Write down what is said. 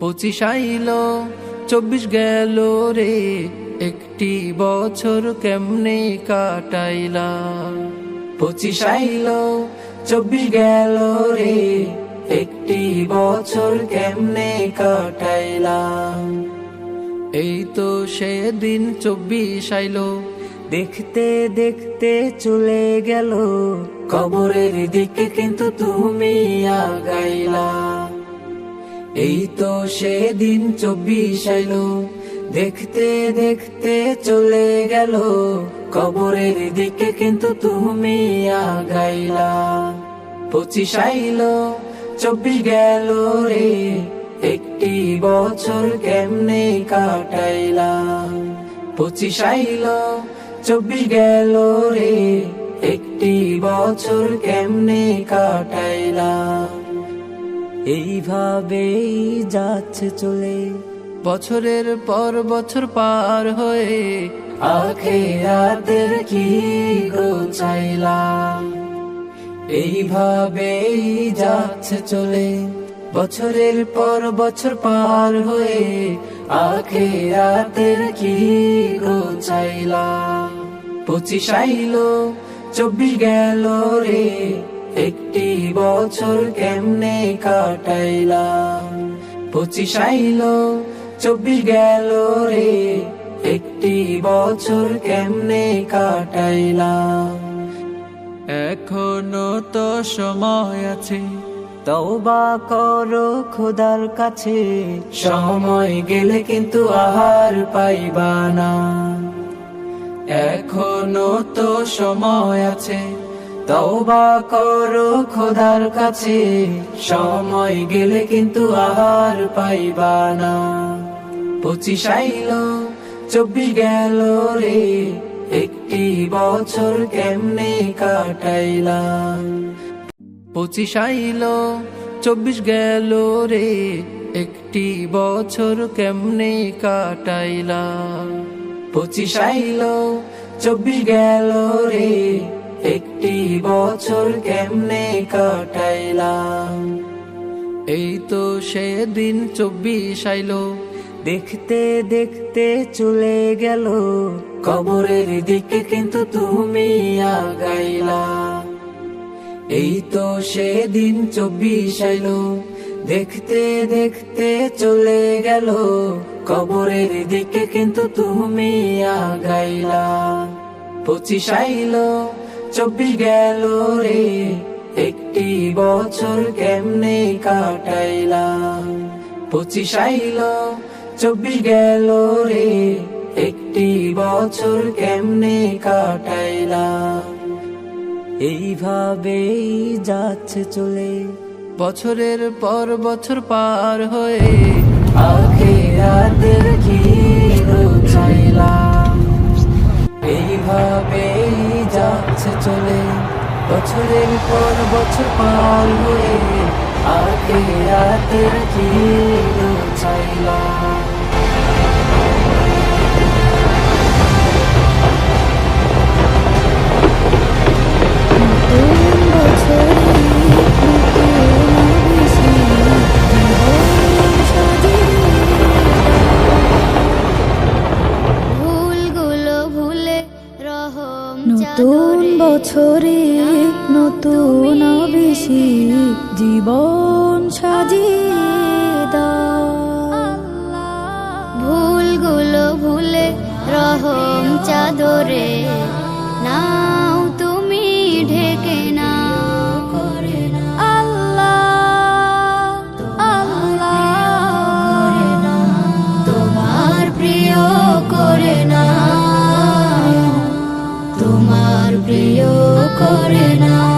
25 আইলো 24 গেল রে, একটি বছর কেমনে কাটাইলা। 25 আইলো 24 গেল রে, একটি বছর কেমনে কাটাইলা। এই তো সেদিন 24 আইলো, দেখতে দেখতে চলে গেল, কবরের দিকে কিন্তু তুমি আগাইলা। এই তো সেদিন 24 আইলো, দেখতে দেখতে চলে গেল, কবরের দিকে কিন্তু তুমি আগাইলা। 25 আইলো 24 গেল রে, একটি বছর কেমনে কাটাইলা। 25 আইলো 24 গেল রে, একটি বছর কেমনে কাটাইলা। এইভাবেই যাচ্ছে চলে, বছরের পর বছর পার হয়ে, আখিরাতের কি গোছাইলা। এইভাবেই যাচ্ছে চলে, বছরের পর বছর পার হয়ে, আখিরাতের কি গোছাইলা। 25 আইলো 24 গেল রে, একটি বছর কেমনে কাটাইলা। 25 আইলো 24 গেল রে, একটি বছর কেমনে কাটাইলা। এখনো তো সময় আছে, তওবা করো খোদার কাছে, সময় গেলে কিন্তু আহার পাইবা না। এখনো তো সময় আছে, তওবা করো খোদার কাছে, সময় গেলে কিন্তু আহার পাইবা না। 25 আইলো 24 গেল রে, একটি বছর কেমনে কাটাইলা। 25 আইলো 24 গেল রে, একটি বছর কেমনে কাটাইলা। 25 আইলো 24 গেল রে, একটি বছর কেমনে কাটাইলা। এই তো সেদিন 24 আইলো, দেখতে দেখতে চলে গেল, কবরের দিকে কিন্তু তুমি আগাইলা। এই তো সেদিন 24 আইলো, দেখতে দেখতে চলে গেল, কবরের দিকে কিন্তু তুমি আগাইলা। 25 আইলো 24 গেল রে, একটি বছর কেমনে কাটাইলা। 25 আইলো 24 গেল রে, একটি বছর কেমনে কাটাইলা। এইভাবেই যাচ্ছে চলে, বছরের পর বছর পার হয়ে, আখিরাতের কি গোছাইলা। এইভাবেই যাচ্ছে চলে, বছরের পর বছর পার হয়ে, আখিরাতের কি গোছাইলা। নতুন বছরে নতুন বেশি জীবন সাজিয়ে দাও। ভুলগুলো ভুলে রহম চাদরে নাও তুমি ঢেকে নাও। আল্লাহ আল্লাহ তোমার প্রিয় করে না, তোমার প্রিয় করে না।